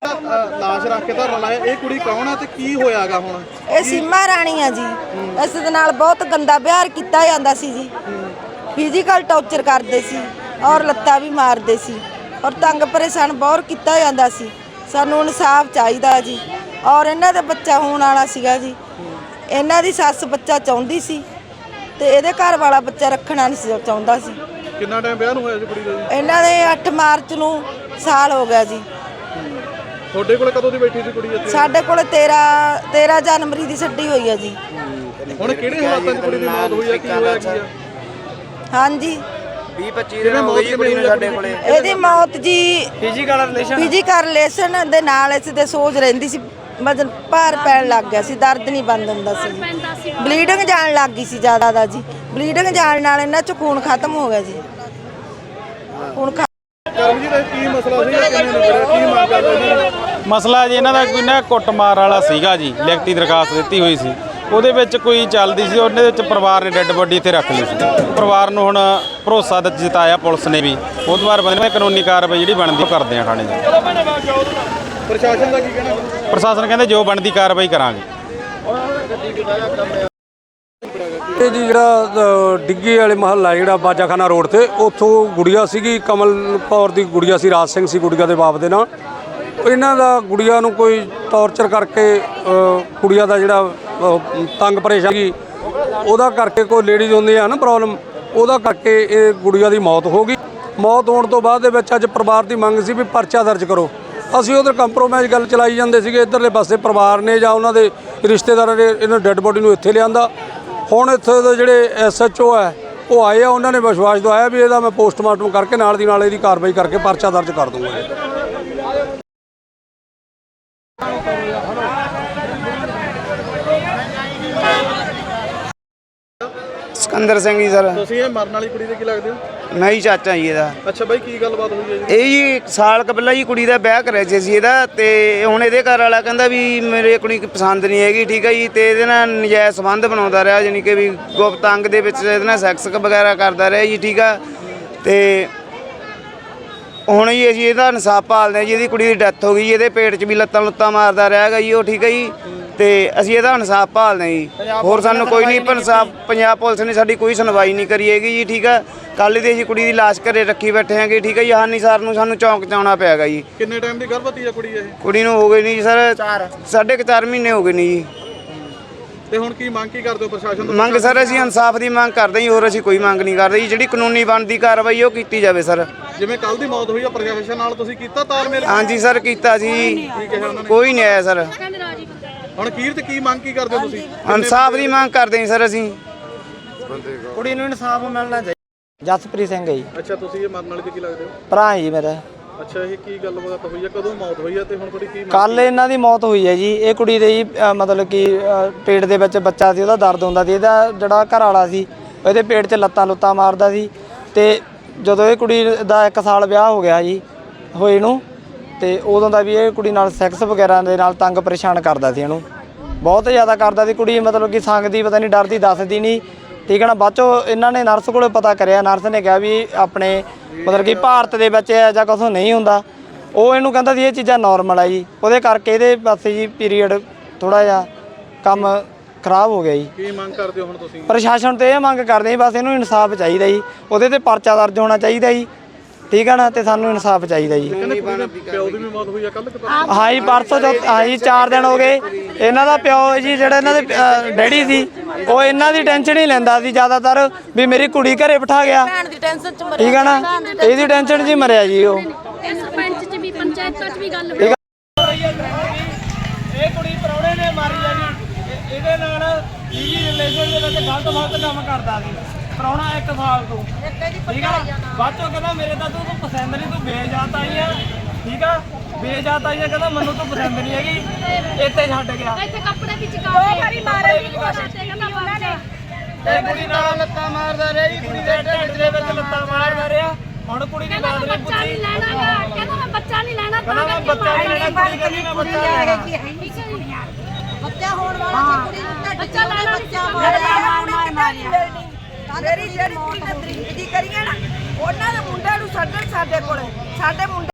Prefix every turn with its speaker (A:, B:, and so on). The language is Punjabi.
A: ਲਾਸ਼ ਰੱਖ ਕੇ ਧਰਨਾ ਲਾਇਆ। ਇਹ ਕੁੜੀ ਕੌਣ ਹੈ ਤੇ ਕੀ ਹੋਇਆਗਾ ਹੁਣ?
B: ਇਹ ਸੀਮਾ ਰਾਣੀ ਆ ਜੀ। ਇਸ ਦੇ ਨਾਲ ਬਹੁਤ ਗੰਦਾ ਵਿਹਾਰ ਕੀਤਾ ਜਾਂਦਾ ਸੀ ਜੀ। ਫਿਜ਼ੀਕਲ ਟੌਰਚਰ ਕਰਦੇ ਸੀ ਔਰ ਲੱਤਾਂ ਵੀ ਮਾਰਦੇ ਸੀ ਔਰ ਤੰਗ ਪਰੇਸ਼ਾਨ ਬਹੁਤ ਕੀਤਾ ਜਾਂਦਾ ਸੀ। ਸਾਨੂੰ ਇਨਸਾਫ ਚਾਹੀਦਾ ਜੀ। ਔਰ ਇਹਨਾਂ ਦਾ ਬੱਚਾ ਹੋਣ ਵਾਲਾ ਸੀਗਾ ਜੀ। ਇਹਨਾਂ ਦੀ ਸੱਸ ਬੱਚਾ ਚਾਹੁੰਦੀ ਸੀ ਤੇ ਇਹਦੇ ਘਰ ਵਾਲਾ ਬੱਚਾ ਰੱਖਣਾ ਨਹੀਂ ਸੀ ਚਾਹੁੰਦਾ ਸੀ।
A: ਕਿੰਨਾ ਟਾਈਮ ਵਿਆਹ ਨੂੰ ਹੋਇਆ ਜੀ ਕੁੜੀ ਦਾ ਜੀ?
B: ਇਹਨਾਂ ਦੇ 8 ਮਾਰਚ ਨੂੰ ਸਾਲ ਹੋ ਗਿਆ ਜੀ।
A: ਤੁਹਾਡੇ ਕੋਲ ਕਦੋਂ ਦੀ ਬੈਠੀ ਸੀ ਕੁੜੀ ਇੱਥੇ?
B: ਸਾਡੇ ਕੋਲ 13 ਜਨਵਰੀ ਦੀ ਛੱਡੀ ਹੋਈ ਹੈ ਜੀ।
A: ਹੁਣ ਕਿਹੜੇ ਹਾਲਾਤਾਂ 'ਚ ਕੁੜੀ ਦੀ ਮੌਤ ਹੋਈ ਹੈ? ਕੀ ਹੋਇਆ ਕੀ ਆ?
B: ਹਾਂਜੀ
C: 20-25 ਦਿਨ ਹੋ ਗਏ ਜੀ ਕੁੜੀ ਨੂੰ ਸਾਡੇ ਕੋਲੇ।
B: ਇਹਦੀ ਮੌਤ ਜੀ
C: ਫਿਜ਼ੀਕਲ
B: ਰਿਲੇਸ਼ਨ ਦੇ ਨਾਲ ਇਸ ਦੇ ਸੋਜ ਰਹਿੰਦੀ ਸੀ। ਵਜਨ ਭਾਰ ਪੈਣ ਲੱਗ ਗਿਆ ਸੀ। ਦਰਦ ਨਹੀਂ ਬੰਦ ਹੁੰਦਾ ਸੀ। ਬਲੀਡਿੰਗ ਜਾਣ ਲੱਗ ਗਈ ਸੀ ਜ਼ਿਆਦਾ ਦਾ ਜੀ। ਬਲੀਡਿੰਗ ਜਾਣ ਨਾਲ ਇਹਨਾਂ 'ਚ ਖੂਨ ਖਤਮ ਹੋ ਗਿਆ ਜੀ। ਖੂਨ
A: ਕਰਮਜੀਤ ਕੀ ਮਸਲਾ ਸੀ? ਕਿੰਨੇ ਨਿਬੜਿਆ? ਕੀ ਮੰਗ ਕਰਦੇ?
D: ਮਸਲਾ ਜੀ ਇਹਨਾਂ ਦਾ ਕੋਈ ਨਾ ਕੁੱਟਮਾਰ ਵਾਲਾ ਸੀਗਾ ਜੀ। ਲਿਖਤੀ ਦਰਖਾਸਤ ਦਿੱਤੀ ਹੋਈ ਸੀ, ਉਹਦੇ ਵਿੱਚ ਕੋਈ ਚੱਲਦੀ ਸੀ। ਉਹਦੇ ਵਿੱਚ ਪਰਿਵਾਰ ਨੇ ਡੈੱਡ ਬੋਡੀ ਇੱਥੇ ਰੱਖ ਲਈ ਸੀ। ਪਰਿਵਾਰ ਨੂੰ ਹੁਣ ਭਰੋਸਾ ਜਤਾਇਆ ਪੁਲਿਸ ਨੇ ਵੀ। ਉਹ ਤੋਂ ਬਾਅਦ ਬੰਦੇ ਕਾਨੂੰਨੀ ਕਾਰਵਾਈ ਜਿਹੜੀ ਬਣਦੀ ਉਹ ਕਰਦੇ ਆ ਥਾਣੇ ਜਾ।
A: ਪ੍ਰਸ਼ਾਸਨ ਦਾ ਕੀ ਕਹਿਣਾ?
D: ਪ੍ਰਸ਼ਾਸਨ ਕਹਿੰਦੇ ਜੋ ਬਣਦੀ ਕਾਰਵਾਈ ਕਰਾਂਗੇ।
E: ਇਹ ਜੀ ਜਿਹੜਾ ਡਿੱਗੀ ਵਾਲੇ ਮਹੱਲਾ ਜਿਹੜਾ ਬਾਜਾਖਾਨਾ ਰੋਡ ਤੇ ਉੱਥੋਂ ਗੁੜੀਆ ਸੀਗੀ, ਕਮਲ ਕੌਰ ਦੀ ਗੁੜੀਆ ਸੀ। ਰਾਜ ਸਿੰਘ ਸੀ ਗੁੜੀਆ ਦੇ ਬਾਪ ਦੇ ਨਾਲ। ਇਹਨਾਂ ਦਾ ਗੁੜੀਆ ਨੂੰ ਕੋਈ ਟੌਰਚਰ ਕਰਕੇ ਕੁੜੀਆਂ ਦਾ ਜਿਹੜਾ ਤੰਗ ਪਰੇਸ਼ਾਨੀ ਉਹਦਾ ਕਰਕੇ ਕੋਈ ਲੇਡੀਜ਼ ਹੁੰਦੀ ਆ ਨਾ ਪ੍ਰੋਬਲਮ, ਉਹਦਾ ਕਰਕੇ ਇਹ ਗੁੜੀਆ ਦੀ ਮੌਤ ਹੋ ਗਈ। ਮੌਤ ਹੋਣ ਤੋਂ ਬਾਅਦ ਦੇ ਵਿੱਚ ਅੱਜ ਪਰਿਵਾਰ ਦੀ ਮੰਗ ਸੀ ਵੀ ਪਰਚਾ ਦਰਜ ਕਰੋ। ਅਸੀਂ ਉਧਰ ਕੰਪਰੋਮਾਈਜ਼ ਗੱਲ ਚਲਾਈ ਜਾਂਦੇ ਸੀਗੇ। ਇੱਧਰਲੇ ਪਾਸੇ ਪਰਿਵਾਰ ਨੇ ਜਾਂ ਉਹਨਾਂ ਦੇ ਰਿਸ਼ਤੇਦਾਰਾਂ ਨੇ ਇਹਨਾਂ ਡੈੱਡ ਬੋਡੀ ਨੂੰ ਇੱਥੇ ਲਿਆਂਦਾ। ਹੁਣ ਇੱਥੇ ਦੇ ਜਿਹੜੇ SHO ਹੈ ਉਹ ਆਏ ਆ। ਉਹਨਾਂ ਨੇ ਵਿਸ਼ਵਾਸ ਦਵਾਇਆ ਵੀ ਇਹਦਾ ਮੈਂ ਪੋਸਟਮਾਰਟਮ ਕਰਕੇ ਨਾਲ ਦੀ ਨਾਲ ਇਹਦੀ ਕਾਰਵਾਈ ਕਰਕੇ ਪਰਚਾ ਦਰਜ ਕਰ ਦੂੰਗਾ।
C: ਸਿਕੰਦਰ ਸਿੰਘ ਜੀ ਸਰ।
A: ਤੁਸੀਂ ਇਹ ਮਰਨ ਵਾਲੀ ਕੁੜੀ ਦੇ ਕੀ ਲੱਗਦੇ ਹੋ?
C: ਮੈਂ ਹੀ ਚਾਚਾ ਜੀ ਇਹਦਾ।
A: ਅੱਛਾ ਬਾਈ, ਕੀ ਗੱਲਬਾਤ ਹੋਈ ਹੈ ਜੀ?
C: ਇਹ ਜੀ 1 ਸਾਲ ਪਹਿਲਾਂ ਜੀ ਕੁੜੀ ਦਾ ਵਿਆਹ ਕਰਿਆ ਸੀ ਇਹਦਾ, ਤੇ ਹੁਣ ਇਹਦੇ ਘਰ ਵਾਲਾ ਕਹਿੰਦਾ ਵੀ ਮੇਰੇ ਕੁੜੀ ਪਸੰਦ ਨਹੀਂ ਹੈਗੀ, ਠੀਕ ਹੈ ਜੀ। ਤੇ ਇਹਦੇ ਨਾਲ ਨਜਾਇਜ਼ ਸੰਬੰਧ ਬਣਾਉਂਦਾ ਰਿਹਾ, ਜਾਨੀ ਕਿ ਵੀ ਗੁਪਤ ਅੰਗ ਦੇ ਵਿੱਚ ਇਹਦੇ ਨਾਲ ਸੈਕਸ ਵਗੈਰਾ ਕਰਦਾ ਰਿਹਾ ਜੀ, ਠੀਕ ਆ। ਤੇ ਹੁਣ ਜੀ ਅਸੀਂ ਇਹਦਾ ਇਨਸਾਫ ਭਾਲਦੇ ਹਾਂ ਜੀ। ਇਹਦੀ ਕੁੜੀ ਦੀ ਡੈਥ ਹੋ ਗਈ ਜੀ। ਇਹਦੇ ਪੇਟ 'ਚ ਵੀ ਲੱਤਾਂ ਮਾਰਦਾ ਰਿਹਾ ਹੈਗਾ ਜੀ ਉਹ, ਠੀਕ ਹੈ ਜੀ। ਤੇ ਅਸੀਂ ਇਹਦਾ ਇਨਸਾਫ ਭਾਲਦੇ ਜੀ। ਹੋਰ ਸਾਨੂੰ ਕੋਈ ਨਹੀਂ ਇਨਸਾਫ। ਪੰਜਾਬ ਪੁਲਿਸ ਨੇ ਸਾਡੀ ਕੋਈ ਸੁਣਵਾਈ ਨਹੀਂ ਕਰੀ ਹੈਗੀ ਜੀ, ਠੀਕ ਆ। ਕੱਲ੍ਹ ਦੀ ਅਸੀਂ ਕੁੜੀ ਦੀ ਲਾਸ਼ ਘਰੇ ਰੱਖੀ ਬੈਠੇ ਹੈਗੇ, ਠੀਕ ਹੈ ਜੀ। ਹਾਨੀ ਸਰ ਨੂੰ ਸਾਨੂੰ ਚੌਂਕ 'ਚ ਆਉਣਾ ਪਿਆ ਗਾ ਜੀ।
A: ਕਿੰਨੇ ਟਾਈਮ ਦੀ ਗਰਭਵਤੀ ਆ ਕੁੜੀ ਇਹ?
C: ਕੁੜੀ ਨੂੰ ਹੋ ਗਏ ਨਹੀਂ ਜੀ ਸਰ 4.5 ਮਹੀਨੇ ਹੋ ਗਏ ਨਹੀਂ ਜੀ।
A: ਤੇ ਹੁਣ ਕੀ ਮੰਗ ਕੀ ਕਰਦੇ ਹੋ ਪ੍ਰਸ਼ਾਸਨ ਤੋਂ?
C: ਮੰਗ ਸਰ ਅਸੀਂ ਇਨਸਾਫ ਦੀ ਮੰਗ ਕਰਦੇ ਜੀ। ਹੋਰ ਅਸੀਂ ਕੋਈ ਮੰਗ ਨਹੀਂ ਕਰਦੇ ਜੀ। ਜਿਹੜੀ ਕਾਨੂੰਨੀ ਬਣਦੀ ਕਾਰਵਾਈ ਉਹ ਕੀਤੀ ਜਾਵੇ ਸਰ।
A: ਜਿਵੇਂ ਕੱਲ ਦੀ ਮੌਤ ਹੋਈ ਆ, ਪ੍ਰਸ਼ਾਸਨ ਨਾਲ ਤੁਸੀਂ ਕੀਤਾ ਤਾਲਮੇਲ?
C: ਹਾਂਜੀ ਸਰ ਕੀਤਾ ਸੀ। ਕੋਈ ਨਹੀਂ ਆਇਆ ਸਰ।
A: ਹੁਣ ਅਖੀਰ ਤੇ ਕੀ ਮੰਗ ਕੀ ਕਰਦੇ ਹੋ ਤੁਸੀਂ?
C: ਇਨਸਾਫ ਦੀ ਮੰਗ ਕਰਦੇ ਜੀ ਸਰ ਅਸੀਂ।
F: ਕੁੜੀ ਨੂੰ ਇਨਸਾਫ ਮਿਲਣਾ ਚਾਹੀਦਾ। ਜਸਪ੍ਰੀਤ ਸਿੰਘ ਹੈ ਜੀ।
A: ਅੱਛਾ, ਤੁਸੀਂ ਇਹ ਮਰਨ ਵਾਲੇ ਤੇ ਕੀ ਲੱਗਦੇ ਹੋ?
F: ਭਰਾ ਜੀ ਮੇਰਾ।
A: ਅੱਛਾ, ਇਹ ਕੀ ਗੱਲਬਾਤ ਹੋਈ ਆ? ਕਦੋਂ ਮੌਤ ਹੋਈ ਆ ਤੇ ਹੁਣ ਤੁਹਾਡੀ ਕੀ?
F: ਕੱਲ ਇਹਨਾਂ ਦੀ ਮੌਤ ਹੋਈ ਹੈ ਜੀ। ਇਹ ਕੁੜੀ ਦੇ ਜੀ ਮਤਲਬ ਕਿ ਪੇਟ ਦੇ ਵਿੱਚ ਬੱਚਾ ਸੀ, ਉਹਦਾ ਦਰਦ ਹੁੰਦਾ ਸੀ। ਇਹਦਾ ਜਿਹੜਾ ਘਰ ਵਾਲਾ ਸੀ ਇਹਦੇ ਪੇਟ 'ਚ ਲੱਤਾਂ ਮਾਰਦਾ ਸੀ। ਤੇ ਜਦੋਂ ਇਹ ਕੁੜੀ ਦਾ 1 ਸਾਲ ਵਿਆਹ ਹੋ ਗਿਆ ਜੀ ਹੋਏ ਨੂੰ, ਤੇ ਉਦੋਂ ਦਾ ਵੀ ਇਹ ਕੁੜੀ ਨਾਲ ਸੈਕਸ ਵਗੈਰਾ ਦੇ ਨਾਲ ਤੰਗ ਪਰੇਸ਼ਾਨ ਕਰਦਾ ਸੀ। ਇਹਨੂੰ ਬਹੁਤ ਜ਼ਿਆਦਾ ਕਰਦਾ ਸੀ। ਕੁੜੀ ਮਤਲਬ ਕਿ ਸੰਗਦੀ ਪਤਾ ਨਹੀਂ, ਡਰਦੀ ਦੱਸਦੀ ਨਹੀਂ, ਠੀਕ ਹੈ ਨਾ। ਬਾਅਦ 'ਚੋਂ ਇਹਨਾਂ ਨੇ ਨਰਸ ਕੋਲ ਪਤਾ ਕਰਿਆ। ਨਰਸ ਨੇ ਕਿਹਾ ਵੀ ਆਪਣੇ ਮਤਲਬ ਕਿ ਭਾਰਤ ਦੇ ਵਿੱਚ ਇਹ ਜਾਂ ਕੁਛ ਨਹੀਂ ਹੁੰਦਾ। ਉਹ ਇਹਨੂੰ ਕਹਿੰਦਾ ਸੀ ਇਹ ਚੀਜ਼ਾਂ ਨੋਰਮਲ ਆ ਜੀ। ਉਹਦੇ ਕਰਕੇ ਇਹਦੇ ਪਾਸੇ ਜੀ ਪੀਰੀਅਡ ਥੋੜ੍ਹਾ ਜਿਹਾ ਕੰਮ ਖਰਾਬ ਹੋ ਗਿਆ ਜੀ।
A: ਕੀ ਮੰਗ ਕਰਦੇ ਹੋ ਹੁਣ ਤੁਸੀਂ?
F: ਪ੍ਰਸ਼ਾਸਨ ਤੋਂ ਇਹ ਮੰਗ ਕਰਦੇ ਜੀ ਬਸ ਇਹਨੂੰ ਇਨਸਾਫ ਚਾਹੀਦਾ ਜੀ। ਉਹਦੇ ਤੇ ਪਰਚਾ ਦਰਜ ਹੋਣਾ ਚਾਹੀਦਾ ਜੀ, ਠੀਕ ਹੈ ਨਾ। ਤੇ ਸਾਨੂੰ ਇਨਸਾਫ ਚਾਹੀਦਾ ਜੀ।
A: ਪਿਓ ਦੀ ਵੀ ਮੌਤ ਹੋਈ ਆ ਕੱਲ?
F: ਹਾਂ ਜੀ ਪਰਸੋਂ ਹਾਂ ਜੀ 4 ਦਿਨ ਹੋ ਗਏ। ਇਹਨਾਂ ਦਾ ਪਿਓ ਜੀ ਜਿਹੜਾ ਇਹਨਾਂ ਦੇ ਡੈਡੀ ਸੀ ਉਹ ਇਹਨਾਂ ਦੀ ਟੈਨਸ਼ਨ ਹੀ ਲੈਂਦਾ ਸੀ ਜ਼ਿਆਦਾਤਰ ਵੀ ਮੇਰੀ ਕੁੜੀ ਘਰੇ ਬਿਠਾ ਗਿਆ, ਠੀਕ ਹੈ ਨਾ। ਇਹਦੀ ਟੈਨਸ਼ਨ 'ਚ ਹੀ ਮਰਿਆ ਜੀ ਉਹ।
G: ਸਰਪੰਚ 'ਚ ਵੀ ਪੰਚਾਇਤਾਂ 'ਚ ਵੀ ਗੱਲ
F: ਹੋਈ।
H: ਇਹ ਕੁੜੀ ਪ੍ਰਾਹੁਣੇ ਨੇ ਮਾਰੀ ਆ ਜੀ। ਇਹਦੇ ਨਾਲ ਜੀ ਰਿਲੇਸ਼ਨ ਦੇ ਵਿੱਚ ਗਲਤ ਕੰਮ ਕਰਦਾ ਸੀ ਪ੍ਰਾਹੁਣਾ 1 ਸਾਲ ਤੋਂ, ਠੀਕ ਆ। ਬਾਅਦ ਚੋਂ ਕਹਿੰਦਾ ਮੇਰੇ ਤਾਂ ਤੂੰ ਪਸੰਦ ਨਹੀਂ, ਤੂੰ ਬੇਜਾਤ ਆਈ ਆ, ਠੀਕ ਆ। ਬੇਜਾਤ ਆਈ ਆ, ਕਹਿੰਦਾ ਮੈਨੂੰ ਤੂੰ ਪਸੰਦ ਨਹੀਂ ਹੈਗੀ, ਇੱਥੇ ਛੱਡ ਗਿਆ।
G: ਇੱਥੇ ਕੱਪੜੇ ਵਿੱਚ ਕਾਫੀ ਮਾਰੇ ਦੀ ਕੋਸ਼ਿਸ਼ ਤੇ ਕਹਿੰਦਾ ਉਹਨਾਂ ਨੇ।
H: ਇਹ ਕੁੜੀ ਨਾਲ ਲੱਤਾਂ ਮਾਰਦਾ ਰਿਹਾ ਜੀ। ਕੁੜੀ ਦੇ ਢਿੱਡ ਦੇ ਵਿੱਚ ਲੱਤਾਂ ਮਾਰਦਾ ਰਿਹਾ। ਹੁਣ ਕੁੜੀ ਦੀ ਬਾਤ ਨਹੀਂ
G: ਬੱਚਾ ਨਹੀਂ ਲੈਣਾ, ਕਹਿੰਦਾ ਮੈਂ ਬੱਚਾ ਨਹੀਂ ਲੈਣਾ।
H: ਕਹਿੰਦਾ ਮੈਂ ਬੱਚਾ ਨਹੀਂ ਲੈਣਾ, ਕੁੜੀ ਕਹਿੰਦੀ ਮੈਂ ਬੱਚਾ ਲੈਣਾ।
B: ਬੱਚਾ ਹੋਣ ਵਾਲਾ ਸੀ। ਕੁੜੀ ਨੂੰ ਬੱਚਾ ਲੈਣਾ, ਬੱਚਾ ਮਾਰਿਆ। ਮੇਰੀ ਜਿਹੜੀ ਕੁੜੀ ਨੇ ਦਰਿੰਦਗੀ ਕਰੀ ਹੈ ਨਾ, ਉਹਨਾਂ ਦੇ ਮੁੰਡਿਆਂ ਨੂੰ ਛੱਡਣ ਸਾਡੇ ਕੋਲੇ। ਸਾਡੇ ਮੁੰਡੇ